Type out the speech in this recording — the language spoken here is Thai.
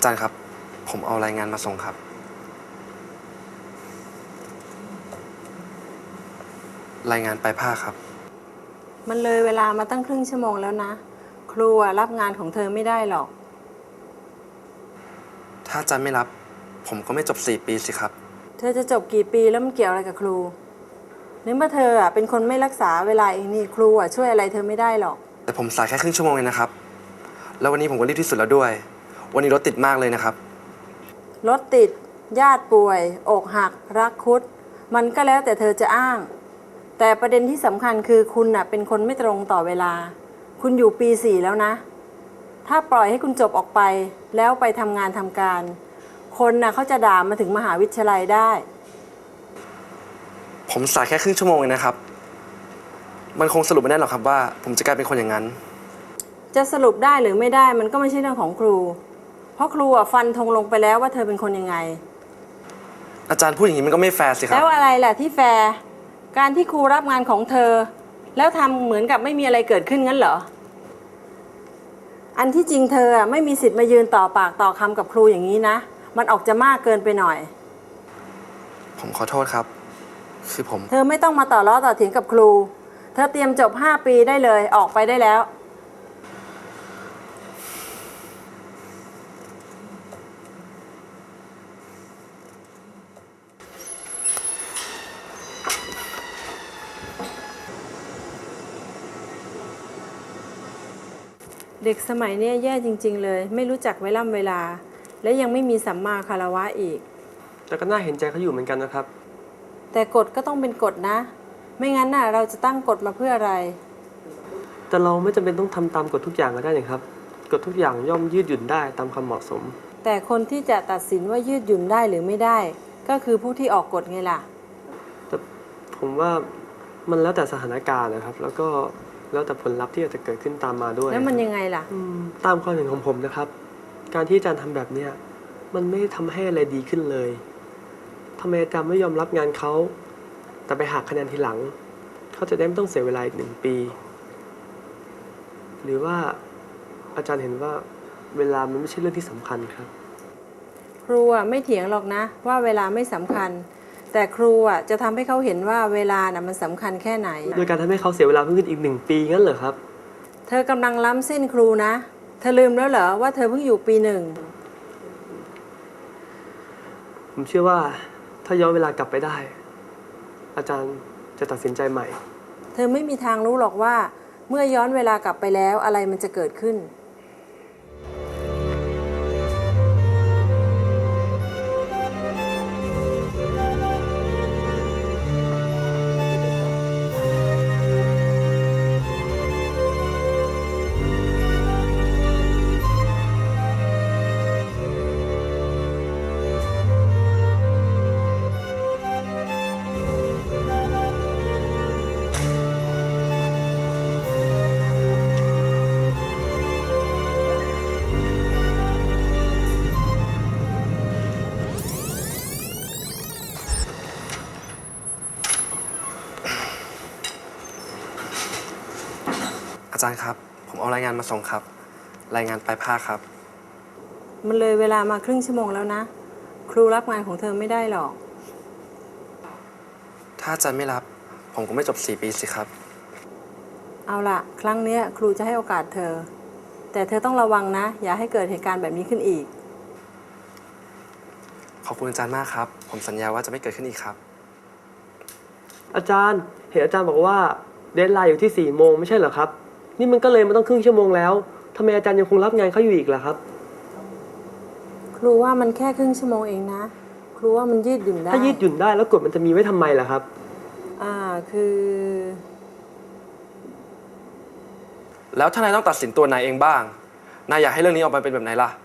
จารย์ครับผมเอารายงานมาส่งครับรายงานปลายภาคครับมันเลยเวลามาตั้งครึ่งชั่วโมงแล้วนะครูรับงานของเธอไม่ได้หรอกถ้าอาจารย์ไม่รับผมก็ไม่จบ4 ปีสิครับเธอจะจบกี่ปีแล้วมันเกี่ยวอะไรกับครูในเมื่อเธอเป็นคนไม่รักษาเวลาเองนี่ครูช่วยอะไรเธอไม่ได้หรอกแต่ผมสายแค่ครึ่งชั่วโมงเองนะครับแล้ววันนี้ผมก็รีบที่สุดแล้วด้วยวันนี้รถติดมากเลยนะครับรถติดญาติป่วยอกหักรักคุดมันก็แล้วแต่เธอจะอ้างแต่ประเด็นที่สำคัญคือคุณเป็นคนไม่ตรงต่อเวลาคุณอยู่ปี 4แล้วนะถ้าปล่อยให้คุณจบออกไปแล้วไปทำงานทำการคนเขาจะด่ามาถึงมหาวิทยาลัยได้ผมสายแค่ครึ่งชั่วโมงเองนะครับมันคงสรุปไม่ได้หรอกครับว่าผมจะกลายเป็นคนอย่างนั้นจะสรุปได้หรือไม่ได้มันก็ไม่ใช่เรื่องของครูเพราะครูฟันธงลงไปแล้วว่าเธอเป็นคนยังไงอาจารย์พูดอย่างนี้มันก็ไม่แฟร์สิครับแล้วอะไรล่ะที่แฟร์การที่ครูรับงานของเธอแล้วทำเหมือนกับไม่มีอะไรเกิดขึ้นงั้นเหรออันที่จริงเธอไม่มีสิทธิ์มายืนต่อปากต่อคำกับครูอย่างนี้นะมันออกจะมากเกินไปหน่อยผมขอโทษครับคือผมเธอไม่ต้องมาต่อล้อต่อเถียงกับครูเธอเตรียมจบ5 ปีได้เลยออกไปได้แล้วเด็กสมัยนี้แย่จริงๆเลยไม่รู้จักเวลาและยังไม่มีสัมมาคารวะอีกแต่ก็น่าเห็นใจเขาอยู่เหมือนกันนะครับแต่กฎก็ต้องเป็นกฎนะไม่งั้นเราจะตั้งกฎมาเพื่ออะไรแต่เราไม่จำเป็นต้องทำตามกฎทุกอย่างก็ได้นะครับกฎทุกอย่างย่อมยืดหยุ่นได้ตามความเหมาะสมแต่คนที่จะตัดสินว่ายืดหยุ่นได้หรือไม่ได้ก็คือผู้ที่ออกกฎไงล่ะแต่ผมว่ามันแล้วแต่สถานการณ์นะครับแล้วก็แล้วแต่ผลลัพธ์ที่อาจจะเกิดขึ้นตามมาด้วยแล้วมันยังไงล่ะตามความเห็นของผมนะครับการที่อาจารย์ทำแบบเนี้ยมันไม่ทำให้อะไรดีขึ้นเลยทำไมอาจารย์ไม่ยอมรับงานเขาแต่ไปหักคะแนนทีหลังเขาจะได้ไม่ต้องเสียเวลาอีก1 ปีหรือว่าอาจารย์เห็นว่าเวลามันไม่ใช่เรื่องที่สำคัญครับครูไม่เถียงหรอกนะว่าเวลาไม่สำคัญแต่ครูจะทำให้เขาเห็นว่าเวลามันสำคัญแค่ไหนโดยการทำให้เขาเสียเวลาเพิ่มขึ้นอีก1 ปีงั้นเหรอครับเธอกำลังล้ำเส้นครูนะเธอลืมแล้วเหรอว่าเธอเพิ่งอยู่ปี 1 ผมเชื่อว่าถ้าย้อนเวลากลับไปได้อาจารย์จะตัดสินใจใหม่เธอไม่มีทางรู้หรอกว่าเมื่อย้อนเวลากลับไปแล้วอะไรมันจะเกิดขึ้นอาจารย์ครับผมเอารายงานมาส่งครับรายงานปลายภาคครับมันเลยเวลามาครึ่งชั่วโมงแล้วนะครูรับงานของเธอไม่ได้หรอกถ้าอาจารย์ไม่รับผมก็ไม่จบ4 ปีสิครับเอาล่ะครั้งนี้ครูจะให้โอกาสเธอแต่เธอต้องระวังนะอย่าให้เกิดเหตุการณ์แบบนี้ขึ้นอีกขอบคุณอาจารย์มากครับผมสัญญาว่าจะไม่เกิดขึ้นอีกครับอาจารย์เห็นอาจารย์บอกว่าเดดไลน์อยู่ที่4 โมงไม่ใช่เหรอครับนี่มันก็เลยมาต้องครึ่งชั่วโมงแล้วทำไมอาจารย์ยังคงรับงานเขาอยู่อีกล่ะครับครูว่ามันแค่ครึ่งชั่วโมงเองนะครูว่ามันยืดหยุ่นได้ถ้ายืดหยุ่นได้แล้วกฎมันจะมีไว้ทำไมล่ะครับคือแล้วถ้านายต้องตัดสินตัวนายเองบ้างนายอยากให้เรื่องนี้ออกมาเป็นแบบไหนล่ะ